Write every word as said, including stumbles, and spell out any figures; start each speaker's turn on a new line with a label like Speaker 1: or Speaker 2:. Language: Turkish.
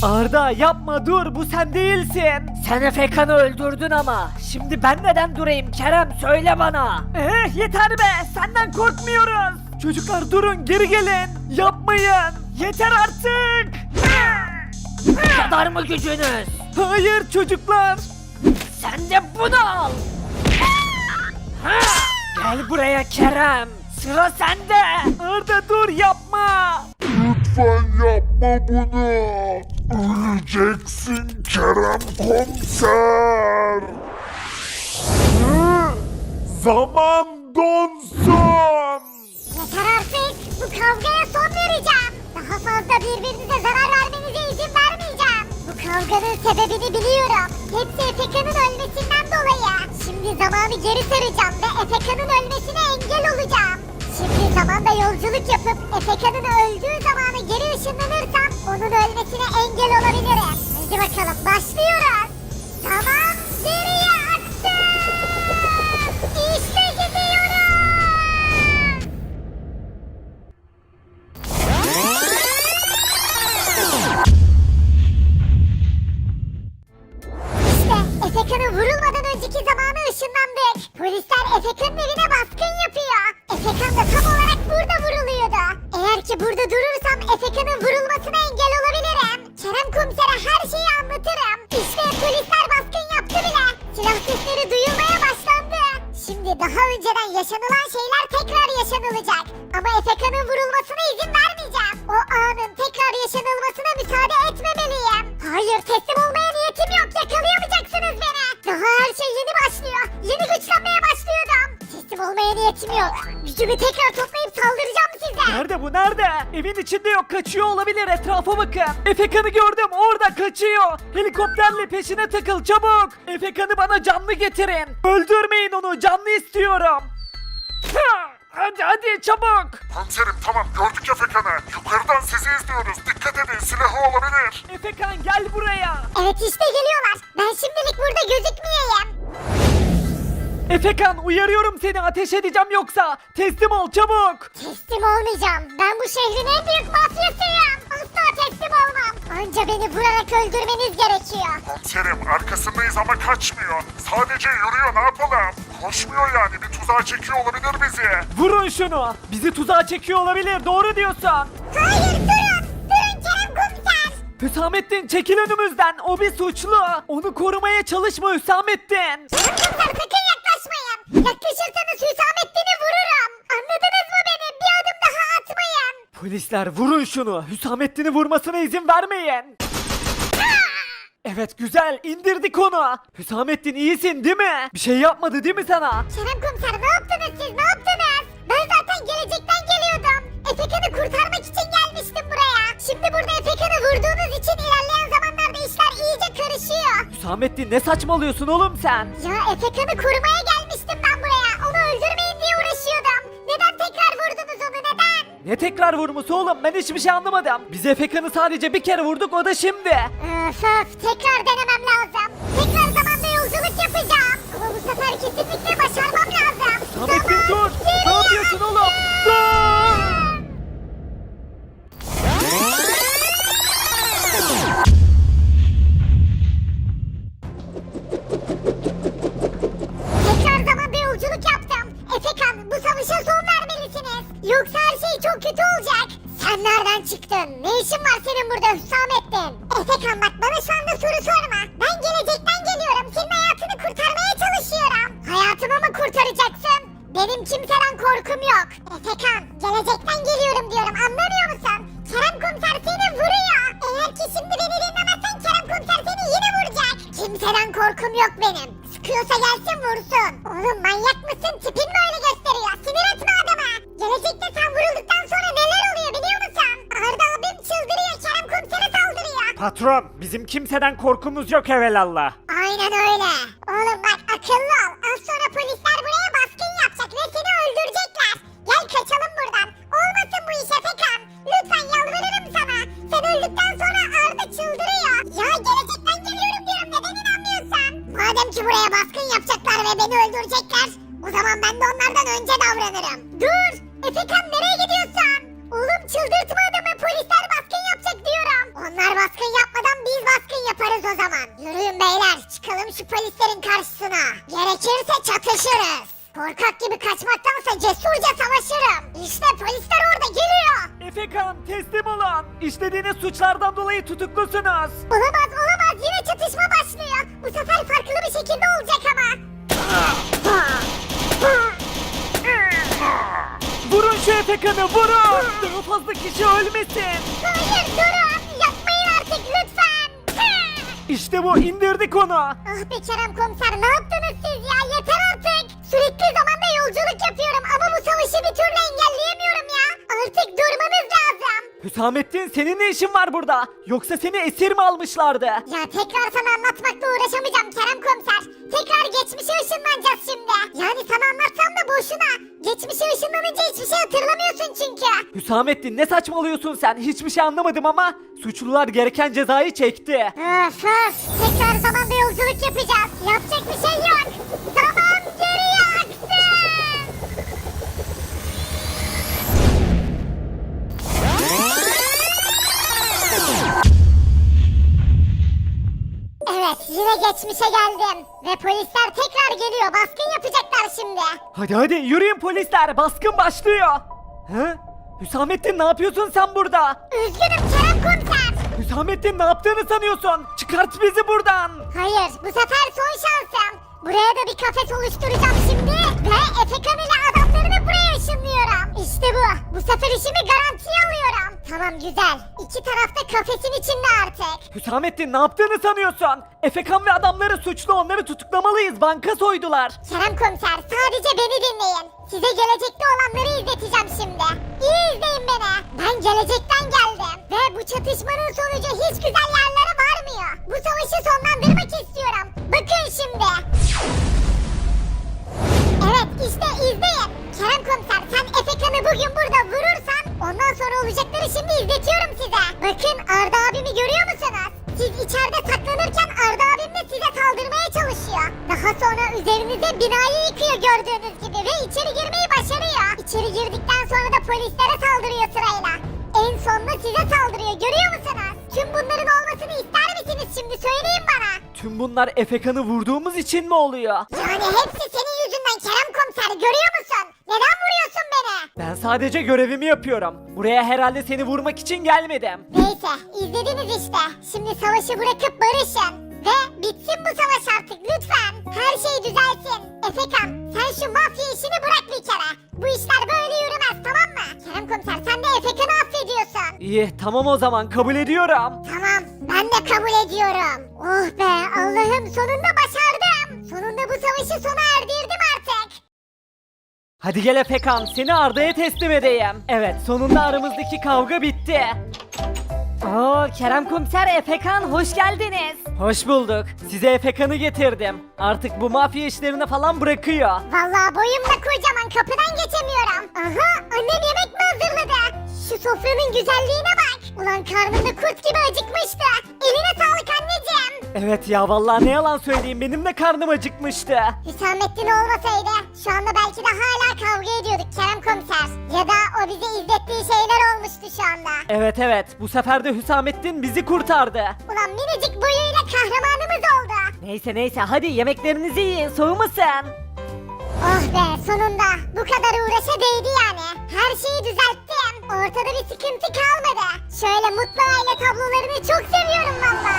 Speaker 1: Arda yapma, dur, bu sen değilsin. Sen Efekan'ı öldürdün ama. Şimdi ben neden durayım Kerem, söyle bana. Eh yeter be, senden korkmuyoruz. Çocuklar durun, geri gelin. Yapmayın. Yeter artık.
Speaker 2: Bu kadar mı gücünüz?
Speaker 1: Hayır çocuklar.
Speaker 2: Sen de bunu al.
Speaker 1: Gel buraya Kerem. Sıra sende. Arda dur, yapma.
Speaker 3: Lütfen yapma bunu. Öleceksin Kerem Komiser. Hı? Zaman donsun.
Speaker 4: Yeter artık. Bu kavgaya son vereceğim. Daha fazla birbirinize zarar vermenize izin vermeyeceğim. Bu kavganın sebebini biliyorum. Hepsi Efekan'ın ölmesinden dolayı. Şimdi zamanı geri saracağım ve Efekan'ın ölmesine engel olacağım. Şimdi zamanda yolculuk yapıp Efekan'ın öldüğü zamana geri ışınlanırsam onun ölmesine engel olabilirim. Hadi bakalım başlıyoruz. Zaman geriye aktı. İşte gidiyorum. İşte Efekan'ın vurulmadan önceki zamana ışınlandık. Polisler Efekan'ın evine baskın yapıyor. Efekan da tam olarak burada vuruluyordu. Eğer ki burada durursam Efekan'ın vurulmasına engel olabilirim. Kerem komisere her şeyi anlatırım. İşte polisler baskın yaptı bile. Silah sesleri duyulmaya başlandı. Şimdi daha önceden yaşanılan şeyler tekrar yaşanılacak. Ama Efekan'ın vurulmasına izin vermeyeceğim. O anın tekrar yaşanılmasına müsaade etmemeliyim. Hayır, teslim olmaya niyetim yok. Yakalayamayacaksınız beni. Daha her şey yeni başlıyor. Yeni güçlenmeye başlıyordum. Teslim olmaya niyetim yok. Gücümü tekrar toplayıp saldıracağım size.
Speaker 1: Nerede bu, nerede? Evin içinde yok, kaçıyor olabilir, etrafa bakın. Efekan'ı gördüm, orada kaçıyor. Helikopterle peşine takıl çabuk. Efekan'ı bana canlı getirin. Öldürmeyin onu, canlı istiyorum. Ha! Hadi hadi çabuk.
Speaker 3: Komiserim tamam gördük Efekan'ı. Yukarıdan sizi izliyoruz. Dikkat edin silahı olabilir.
Speaker 1: Efekan gel buraya.
Speaker 4: Evet işte geliyorlar. Ben şimdilik burada gözükmeyeyim.
Speaker 1: Efekan uyarıyorum seni, ateş edeceğim yoksa. Teslim ol çabuk.
Speaker 4: Teslim olmayacağım. Ben bu şehrin en büyük mafyasıyım. Asla teslim olmam. Anca beni vurarak öldürmeniz gerekiyor.
Speaker 3: Komiserim arkasındayız ama kaçmıyor. Sadece yürüyor ne yapalım? Koşmuyor yani bir tuzağa çekiyor olabilir bizi.
Speaker 1: Vurun şunu. Bizi tuzağa çekiyor olabilir, doğru diyorsun.
Speaker 4: Hayır durun. Durun Kerem komiser.
Speaker 1: Hüsamettin çekil önümüzden, o bir suçlu. Onu korumaya çalışma Hüsamettin.
Speaker 4: Kerem komiser sakın yaklaşmayın. Yaklaşırsanız Hüsamettin'i vururum. Anladınız mı beni? Bir adım daha atmayın.
Speaker 1: Polisler vurun şunu. Hüsamettin'i vurmasına izin vermeyin. Evet güzel, indirdik onu. Hüsamettin iyisin değil mi? Bir şey yapmadı değil mi sana?
Speaker 4: Kerem komiser ne yaptınız siz? Ne yaptınız? Ben zaten gelecekten geliyordum. Efekan'ı kurtarmak için gelmiştim buraya. Şimdi burada Efekan'ı vurduğunuz için ilerleyen zamanlarda işler iyice karışıyor.
Speaker 1: Hüsamettin ne saçmalıyorsun oğlum sen?
Speaker 4: Ya Efekan'ı korumaya gelmiştim ben buraya. Onu öldürmeyin diye uğraşıyordum. Neden tekrar vurdunuz onu neden?
Speaker 1: Ne tekrar vurması oğlum, ben hiçbir şey anlamadım. Biz Efekan'ı sadece bir kere vurduk, o da şimdi.
Speaker 4: Öf öf tekrar denemem lazım. Tekrar zamanda yolculuk yapacağım. Ama bu sefer kesinlikle başarmam lazım.
Speaker 1: Hüsamettin dur. Ne
Speaker 4: geriye
Speaker 1: yapıyorsun oğlum?
Speaker 4: aksın.
Speaker 1: Dur.
Speaker 4: Tekrar zamanda yolculuk yaptım. Efekan bu savaşa son vermelisiniz. Yoksa her şey çok kötü olacak. Sen nereden çıktın? Ne işin var senin burada Hüsamettin? Efekan bak bana şu anda soru sorma. Ben gelecekten geliyorum. Senin hayatını kurtarmaya çalışıyorum. Hayatımı mı kurtaracaksın? Benim kimseden korkum yok. Efekan gelecekten geliyorum diyorum anlamıyor musun? Kerem komiser seni vuruyor. Eğer ki şimdi beni dinlemezsen Kerem komiser seni yine vuracak. Kimseden korkum yok benim. Sıkıyorsa gelsin vursun. Oğlum manyak mısın? Tipin mi öyle gösteriyor? Sinir etme adamı. Gelecekte sen vurulduktan sonra neler oluyor biliyor musun? Arda abim çıldırıyor. Kerem komisere saldırıyor.
Speaker 1: Patron, bizim kimseden korkumuz yok evelallah.
Speaker 4: Aynen öyle. Oğlum bak akıllı ol. Az sonra polisler buraya baskın yapacak ve seni öldürecekler. Gel kaçalım buradan. Olmasın bu iş Efekan. Lütfen yalvarırım sana. Sen öldükten sonra Arda çıldırıyor. Ya gelecekten geliyorum diyorum. Neden inanmıyorsun? Madem ki buraya baskın yapacaklar ve beni öldürecekler. O zaman ben de onlardan önce davranırım. Dur. Efekan nereye gidiyorsun? Oğlum çıldırtma adamı. Polisler baskın yapacak diyorum. Onlar baskın yapmadan
Speaker 1: dolayı tutuklusunuz.
Speaker 4: Olamaz olamaz yine çatışma başlıyor. Bu sefer farklı bir şekilde olacak ama.
Speaker 1: Vurun şu Efekan'ı vurun. Daha fazla kişi ölmesin.
Speaker 4: Hayır durun yapmayın artık lütfen.
Speaker 1: İşte bu indirdik onu.
Speaker 4: Ah be Kerem komiser ne yaptınız siz ya yeter artık. Sürekli zamanda yolculuk yapıyorum ama bu savaşı bir türlü engelleyemiyorum ya. Artık durmanız lazım.
Speaker 1: Hüsamettin senin ne işin var burada? Yoksa seni esir mi almışlardı?
Speaker 4: Ya tekrar sana anlatmakla uğraşamayacağım Kerem komiser. Tekrar geçmişe ışınlanacağız şimdi. Yani sana anlatsam da boşuna. Geçmişe ışınlanınca hiçbir şey hatırlamıyorsun çünkü.
Speaker 1: Hüsamettin ne saçmalıyorsun sen? Hiçbir şey anlamadım ama suçlular gereken cezayı çekti.
Speaker 4: Öf öf. Tekrar zamanda yolculuk yapacağız. Yapacak bir şey yok. Zaman geriye aksın. Evet yine geçmişe geldim. Ve polisler tekrar geliyor. Baskın yapacaklar şimdi.
Speaker 1: Hadi hadi yürüyün polisler baskın başlıyor. Hı? Hüsamettin ne yapıyorsun sen burada?
Speaker 4: Üzgünüm Kerem komiser.
Speaker 1: Hüsamettin ne yaptığını sanıyorsun? Çıkart bizi buradan.
Speaker 4: Hayır bu sefer son şansım. Buraya da bir kafes oluşturacağım şimdi. Ve Efekan ile adamlarını buraya ışınlıyorum. İşte bu. Bu sefer işimi garantiye alıyorum. Tamam güzel. İki tarafta kafesin içinde artık.
Speaker 1: Hüsamettin ne yaptığını sanıyorsun? Efekan ve adamları suçlu onları tutuklamalıyız banka soydular.
Speaker 4: Kerem komiser sadece beni dinleyin. Size gelecekte olanları izleteceğim şimdi. İyi izleyin beni. Ben gelecekten geldim. Ve bu çatışmanın sonucu hiç güzel yerlere varmıyor. Bu savaşı sonlandırmak istiyorum. Bakın şimdi. Evet işte izleyin. Kerem komiser sen Efekan'ı bugün burada vurursan ondan sonra olacakları şimdi izletiyorum size. Bakın Arda abimi görüyor musunuz? Siz içeride saklanırken Arda abim de size saldırmaya çalışıyor. Daha sonra üzerinize binayı yıkıyor gördüğünüz gibi ve içeri girmeyi başarıyor. İçeri girdikten sonra da polislere saldırıyor sırayla. En sonunda size saldırıyor görüyor musunuz? Tüm bunların olmasını ister misiniz şimdi söyleyin bana.
Speaker 1: Tüm bunlar Efekan'ı vurduğumuz için mi oluyor?
Speaker 4: Yani hepsi senin yüzünden Kerem komiser görüyor musun? Neden vuruyorsun beni?
Speaker 1: Ben sadece görevimi yapıyorum. Buraya herhalde seni vurmak için gelmedim.
Speaker 4: Neyse izlediniz işte. Şimdi savaşı bırakıp barışın. Ve bitsin bu savaş artık lütfen. Her şey düzelsin. Efekan sen şu mafya işini bırak bir kere. Bu işler böyle yürümez tamam mı? Kerem komiser sen de Efekan'ı affediyorsun.
Speaker 1: İyi tamam o zaman kabul ediyorum.
Speaker 4: Tamam ben de kabul ediyorum. Oh be Allah'ım sonunda başardım. Sonunda bu savaşı sona erdirdim artık.
Speaker 1: Hadi gel Efekan seni Arda'ya teslim edeyim. Evet sonunda aramızdaki kavga bitti. Oo Kerem Komiser Efekan hoş geldiniz. Hoş bulduk. Size Efekan'ı getirdim. Artık bu mafya işlerini falan bırakıyor.
Speaker 4: Vallahi boyum da kocaman kapıdan geçemiyorum. Aha annem yemek mi hazırladı? Şu sofranın güzelliğine bak. Ulan karnımda kurt gibi acıkmıştı. Eline sağlık anneciğim.
Speaker 1: Evet ya vallahi ne yalan söyleyeyim benim de karnım acıkmıştı.
Speaker 4: Hüsamettin olmasaydı şu anda belki de hala kavga ediyorduk Kerem komiser. Ya da o bize izlettiği şeyler olmuştu şu anda.
Speaker 1: Evet evet bu sefer de Hüsamettin bizi kurtardı.
Speaker 4: Ulan minicik boyuyla kahramanımız oldu.
Speaker 1: Neyse neyse hadi yemeklerinizi yiyin soğumasın.
Speaker 4: Oh be sonunda bu kadar uğraşa değdi yani. Her şeyi düzelttim. Ortada bir sıkıntı kalmadı. Şöyle mutlu aile tablolarını çok seviyorum valla.